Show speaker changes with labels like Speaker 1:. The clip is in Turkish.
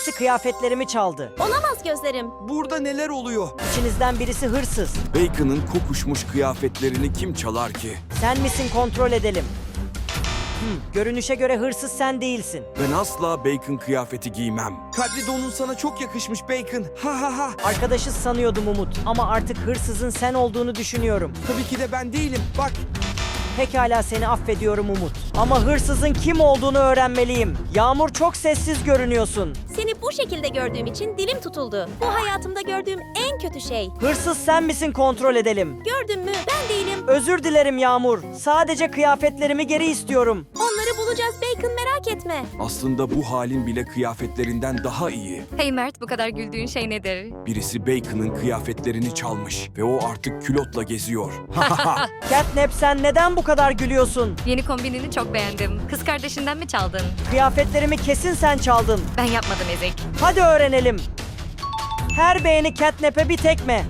Speaker 1: birisi kıyafetlerimi çaldı.
Speaker 2: Olamaz gözlerim.
Speaker 3: Burada neler oluyor?
Speaker 1: İçinizden birisi hırsız.
Speaker 3: Bacon'ın kokuşmuş kıyafetlerini kim çalar ki?
Speaker 1: Sen misin, kontrol edelim. Görünüşe göre hırsız sen değilsin.
Speaker 3: Ben asla Bacon kıyafeti giymem. Kadri donun sana çok yakışmış Bacon. Ha ha ha.
Speaker 1: Arkadaşız sanıyordum Umut ama artık hırsızın sen olduğunu düşünüyorum.
Speaker 3: Tabii ki de ben değilim. Bak.
Speaker 1: Pekala, seni affediyorum Umut. Ama hırsızın kim olduğunu öğrenmeliyim. Yağmur, çok sessiz görünüyorsun.
Speaker 2: Seni bu şekilde gördüğüm için dilim tutuldu. Bu hayatımda gördüğüm en kötü şey.
Speaker 1: Hırsız sen misin, kontrol edelim.
Speaker 2: Gördün mü? Ben değilim.
Speaker 1: Özür dilerim Yağmur. Sadece kıyafetlerimi geri istiyorum.
Speaker 2: Onları bulacağız Bacon, merak etme.
Speaker 3: Aslında bu halin bile kıyafetlerinden daha iyi.
Speaker 4: Hey Mert, bu kadar güldüğün şey nedir?
Speaker 3: Birisi Bacon'ın kıyafetlerini çalmış ve o artık külotla geziyor.
Speaker 1: Catnap, sen neden bu kadar gülüyorsun?
Speaker 4: Yeni kombinini çok beğendim. Kız kardeşinden mi çaldın?
Speaker 1: Kıyafetlerimi kesin sen çaldın.
Speaker 4: Ben yapmadım Ezik.
Speaker 1: Hadi öğrenelim. Her beğeni Catnap'e bir tekme.